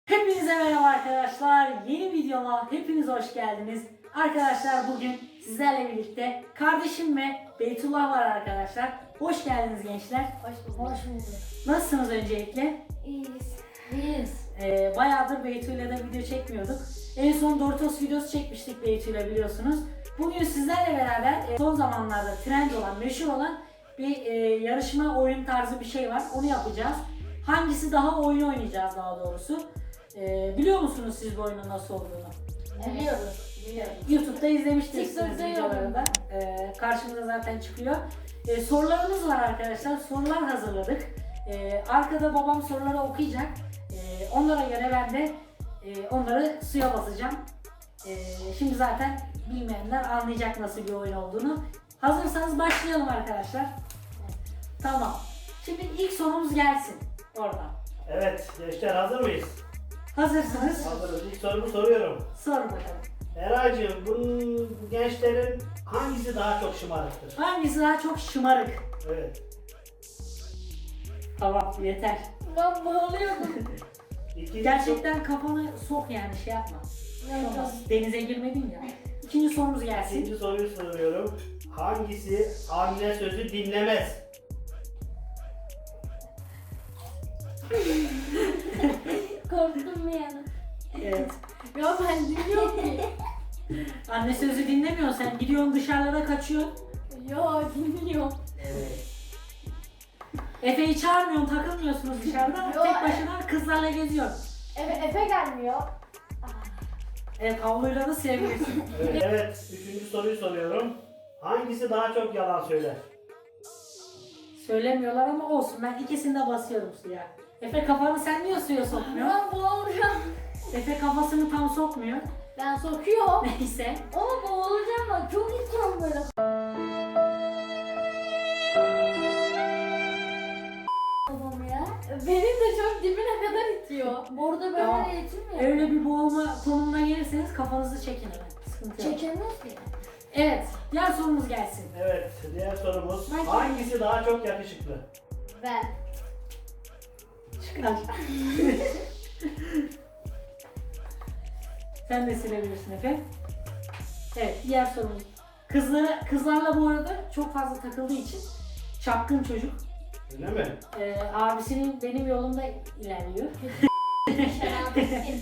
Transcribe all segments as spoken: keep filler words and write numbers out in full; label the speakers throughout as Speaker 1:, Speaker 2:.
Speaker 1: Hepinize merhaba arkadaşlar. Yeni videoma hepiniz hoş geldiniz. Arkadaşlar bugün sizlerle birlikte kardeşim ve Beytullah var arkadaşlar. Hoş geldiniz gençler.
Speaker 2: Hoş bulduk. Hoş bulduk.
Speaker 1: Nasılsınız öncelikle?
Speaker 2: İyiyiz. İyiyiz.
Speaker 1: Ee, bayağıdır Beytu'yla da video çekmiyorduk. En son Doritos videosu çekmiştik Beytu'yla biliyorsunuz. Bugün sizlerle beraber e, son zamanlarda trend olan, meşhur olan bir e, yarışma oyun tarzı bir şey var. Onu yapacağız. Hangisi daha oyun oynayacağız daha doğrusu. E, biliyor musunuz siz bu oyunun nasıl olduğunu?
Speaker 2: Biliyoruz. Biliyoruz.
Speaker 1: YouTube'da izlemiştiniz
Speaker 2: TikTok'ta
Speaker 1: videoları da. E, karşımıza zaten çıkıyor. E, sorularımız var arkadaşlar. Sorular hazırladık. E, arkada babam soruları okuyacak. E, onlara göre ben de e, onları suya basacağım. E, şimdi zaten bilmeyenler anlayacak nasıl bir oyun olduğunu. Hazırsanız başlayalım arkadaşlar. Tamam. Şimdi ilk sorumuz gelsin oradan.
Speaker 3: Evet, gençler hazır mıyız?
Speaker 1: Hazırsınız.
Speaker 3: Hazırız. İlk sorumu soruyorum.
Speaker 1: Sorun bakalım.
Speaker 3: Eraycığım, bu gençlerin hangisi daha çok şımarıktır?
Speaker 1: Hangisi daha çok şımarık?
Speaker 3: Evet.
Speaker 1: Tamam yeter.
Speaker 2: Ben bağlıyordum.
Speaker 3: İkinci
Speaker 1: Gerçekten kafanı sok yani şey yapma. Olmaz. Denize girmedin ya. İkinci sorumuz
Speaker 3: sor-
Speaker 1: gelsin.
Speaker 3: İkinci soruyu soruyorum. Hangisi anne sözü dinlemez?
Speaker 2: Korktum bir yana.
Speaker 1: Evet.
Speaker 2: Ya ben dinliyorum ki.
Speaker 1: Anne sözü dinlemiyorsun sen gidiyorsun dışarılara kaçıyorsun.
Speaker 2: Ya dinliyorum.
Speaker 3: Evet.
Speaker 1: Efe'yi çağırmıyorsun takılmıyorsunuz dışarıda.
Speaker 2: Yo,
Speaker 1: Tek başına kızlarla geziyorsun.
Speaker 2: Efe, Efe gelmiyor.
Speaker 1: Evet havluyla da sevgilisin.
Speaker 3: Evet. Evet, üçüncü soruyu soruyorum. Hangisi daha çok yalan söyler?
Speaker 1: Söylemiyorlar ama olsun ben ikisini de basıyorum suya. Efe kafanı sen niye suya sokmuyorsun?
Speaker 2: Ben boğulacağım.
Speaker 1: Efe kafasını tam sokmuyor.
Speaker 2: Ben sokuyorum.
Speaker 1: Neyse.
Speaker 2: Ama boğulacağım ben. Çok içiyorum böyle. Babam ya. Benim de çok dibine kadar itiyor. Burada böyle
Speaker 1: Tamam.
Speaker 2: itilmiyor.
Speaker 1: Öyle bir boğulma konumuna gelirseniz kafanızı çekin hemen. Sıkıntı yok.
Speaker 2: Çekemez ki.
Speaker 1: Evet. Diğer sorumuz gelsin.
Speaker 3: Evet, diğer sorumuz.
Speaker 2: Ben-
Speaker 3: Hangisi daha çok yakışıklı?
Speaker 2: Ben.
Speaker 1: Çıkar. Sen de silebilirsin Efe. Evet, diğer sorumuz. Kızlara, kızlarla bu arada çok fazla takıldığı için çapkın çocuk.
Speaker 3: Öyle mi?
Speaker 1: Ee, abisinin benim yolumda ilerliyor.
Speaker 2: Şerabetin.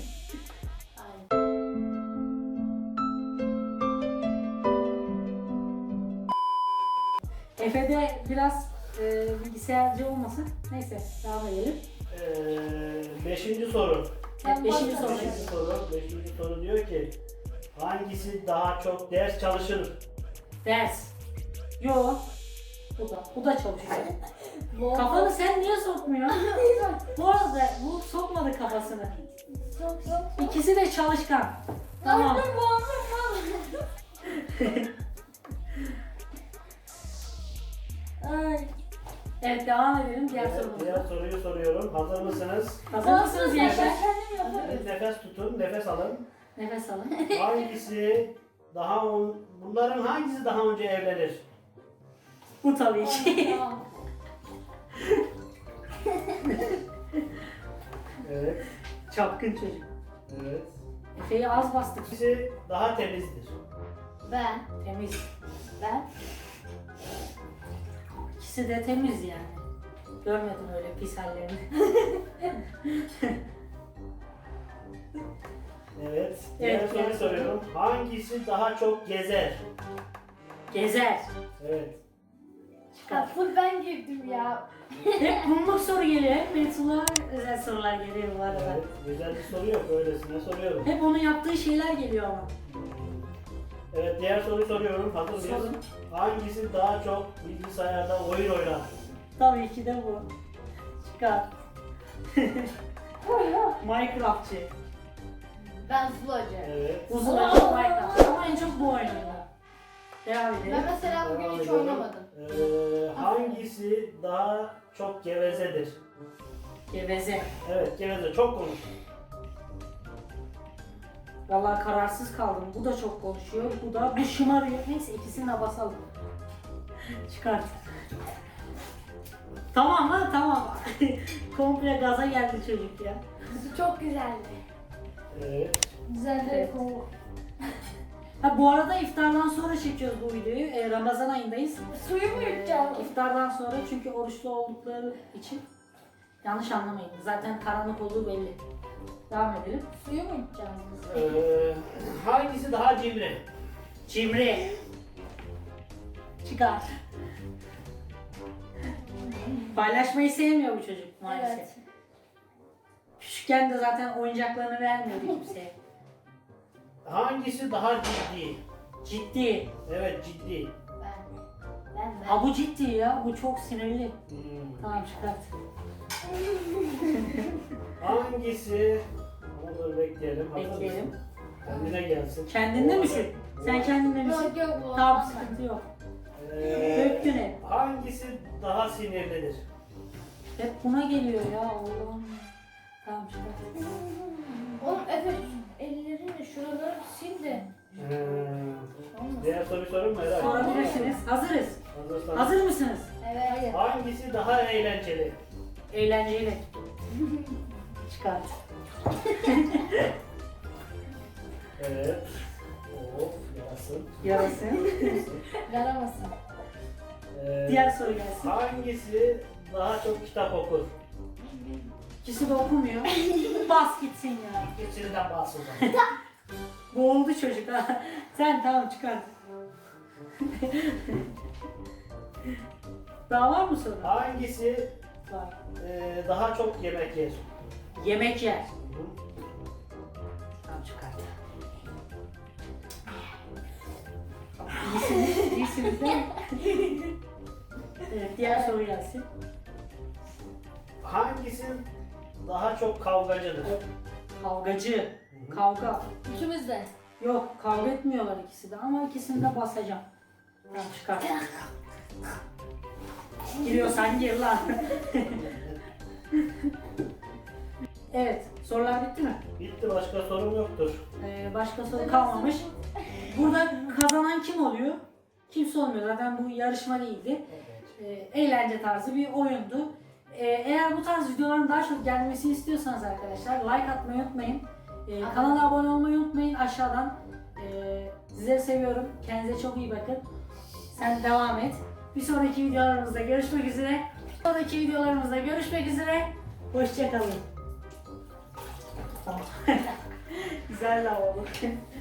Speaker 1: Efe de biraz e, bilgisayarcı olmasın. Neyse, devam edelim.
Speaker 3: Ee, beşinci soru.
Speaker 1: Evet, beşinci soru.
Speaker 3: Beşinci soru. Beşinci soru diyor ki hangisi daha çok ders çalışır?
Speaker 1: Ders. Yo. Bu da, bu da çalışıyor.
Speaker 2: Bu-
Speaker 1: Kafanı sen niye sokmuyorsun? Bu arada bu sokmadı kafasını.
Speaker 2: Sok sok sok.
Speaker 1: İkisi de çalışkan. Tamam.
Speaker 2: Aldım boğazım Ay.
Speaker 1: Evet devam edelim diğer
Speaker 3: Evet,
Speaker 1: sorumuza.
Speaker 3: diğer soruyu soruyorum. Hazır mısınız?
Speaker 1: Hazır mısınız
Speaker 2: Ben
Speaker 1: gençler?
Speaker 2: kendim yaparım.
Speaker 3: Evet, nefes tutun, nefes alın.
Speaker 1: Nefes alın.
Speaker 3: Hangisi daha on, bunların hangisi daha önce evlenir?
Speaker 1: Bu tabii ki.
Speaker 2: Tamam.
Speaker 3: Evet,
Speaker 1: Çapkın çocuk.
Speaker 3: evet.
Speaker 1: Efe'yi az bastık.
Speaker 3: Hangisi daha temizdir?
Speaker 2: Ben.
Speaker 1: Temiz.
Speaker 2: Ben.
Speaker 1: İkisi de temiz yani. Görmedim öyle pis hallerini.
Speaker 3: Evet. Diğer
Speaker 1: Evet,
Speaker 3: soruyu
Speaker 1: diğer
Speaker 3: soruyorum. Hangisi daha çok gezer?
Speaker 1: Gezer.
Speaker 3: Evet.
Speaker 2: Ha, full ben girdim ya.
Speaker 1: Hep bunluk soru geliyor. Hep Beytullah'a özel sorular geliyor bu arada.
Speaker 3: Evet. Güzel bir soru yok. Öylesine soruyorum.
Speaker 1: Hep onun yaptığı şeyler geliyor ama.
Speaker 3: Evet, diğer soruyu soruyorum. Hazır mıyız?
Speaker 1: Sorun.
Speaker 3: Hangisi daha çok bilgisayarda oyun oynar?
Speaker 1: Tabii ki de bu. Çıkar. Minecraftçı.
Speaker 2: Ben Zulacı.
Speaker 3: Evet.
Speaker 1: Uzun açık Minecraft. Ama en çok bu oynuyor. Devam edelim.
Speaker 2: Ben mesela bugün
Speaker 3: Devam
Speaker 2: hiç
Speaker 3: ediyorum.
Speaker 2: oynamadım.
Speaker 3: Ee, hangisi daha çok gevezedir?
Speaker 1: Geveze.
Speaker 3: Evet, geveze. Çok konuş.
Speaker 1: Vallahi kararsız kaldım. Bu da çok konuşuyor. Bu da bu şımarıyor. Neyse ikisini de basalım. Çıkart. Tamam ha tamam. Komple gaza geldi çocuk ya.
Speaker 2: Çok güzeldi.
Speaker 3: Evet.
Speaker 2: Güzeldi.
Speaker 1: Evet. Ha, bu arada iftardan sonra çekiyoruz bu videoyu. Ee, Ramazan ayındayız.
Speaker 2: Suyu mu
Speaker 1: Ee,
Speaker 2: yutacağım?
Speaker 1: iftardan sonra çünkü oruçlu oldukları için yanlış anlamayın. Zaten karanlık olduğu belli. Devam edelim.
Speaker 2: Suyu mu yutacağız?
Speaker 3: Ee, hangisi daha cimri?
Speaker 1: Cimri. Çıkar. Paylaşmayı sevmiyor bu çocuk maalesef.
Speaker 2: Evet.
Speaker 1: Küçükken de zaten oyuncaklarını vermiyordu kimseye.
Speaker 3: Hangisi daha ciddi?
Speaker 1: Ciddi.
Speaker 3: Evet, ciddi.
Speaker 2: Ben. Ben ben.
Speaker 1: Ha bu ciddi ya. Bu çok sinirli.
Speaker 3: Hmm.
Speaker 1: Tamam çıkart.
Speaker 3: Hangisi? Onu bekleyelim. hazır
Speaker 1: Bekleyelim.
Speaker 3: mısın? Kendine gelsin.
Speaker 1: Kendinde misin? Sen kendinde misin?
Speaker 2: Yok yok bu.
Speaker 1: Tamam
Speaker 2: olmaz.
Speaker 1: sıkıntı yok.
Speaker 3: Ee,
Speaker 1: Döktün hep.
Speaker 3: hangisi daha sinirlidir?
Speaker 1: Hep buna geliyor ya Allah'ım. Tamam çıkart.
Speaker 2: Oğlum Efe ellerini şuraları sil de.
Speaker 3: Ee,
Speaker 2: Olmaz.
Speaker 3: diğer soruyu sorayım mı Eray?
Speaker 1: Sorabilirsiniz. Hazırız.
Speaker 3: Hazırsan.
Speaker 1: Hazır mısınız?
Speaker 2: Evet.
Speaker 3: Hangisi daha eğlenceli?
Speaker 1: Eğlenceyle. Çıkart.
Speaker 3: Evet. Of, yarasın.
Speaker 1: Yarasın.
Speaker 2: Yaramasın.
Speaker 3: Ee,
Speaker 1: Diğer soru gelsin.
Speaker 3: Hangisi daha çok kitap okur?
Speaker 1: İkisi de okumuyor. Bas gitsin ya.
Speaker 3: İkisinden bahseder.
Speaker 1: Boğuldu çocuk ha. Sen tamam çıkart. Daha var mı soru?
Speaker 3: Hangisi
Speaker 1: Var.
Speaker 3: e, daha çok yemek yer?
Speaker 1: Yemek yer.
Speaker 3: Hı hı.
Speaker 1: Tamam çıkart. İyisiniz, iyisiniz değil mi? Evet, diğer soru gelsin.
Speaker 3: Hangisi daha çok kavgacıdır?
Speaker 1: Kavgacı. Kavga.
Speaker 2: İkimiz de.
Speaker 1: Yok, kavga etmiyorlar ikisi de ama ikisini de basacağım. Tamam çıkart. Giriyorsan gir lan. Evet, sorular bitti mi?
Speaker 3: Bitti, başka sorum yoktur.
Speaker 1: Ee, başka soru kalmamış. Burada kazanan kim oluyor? Kimse olmuyor. Zaten bu yarışma değildi. Ee, eğlence tarzı bir oyundu. Ee, eğer bu tarz videoların daha çok gelmesini istiyorsanız arkadaşlar like atmayı unutmayın. Ee, kanala abone olmayı unutmayın aşağıdan. Ee, sizleri seviyorum. Kendinize çok iyi bakın. Sen devam et. Bir sonraki videolarımızda görüşmek üzere. Bir sonraki videolarımızda görüşmek üzere. Hoşça kalın. Tamam. Güzel de oldu.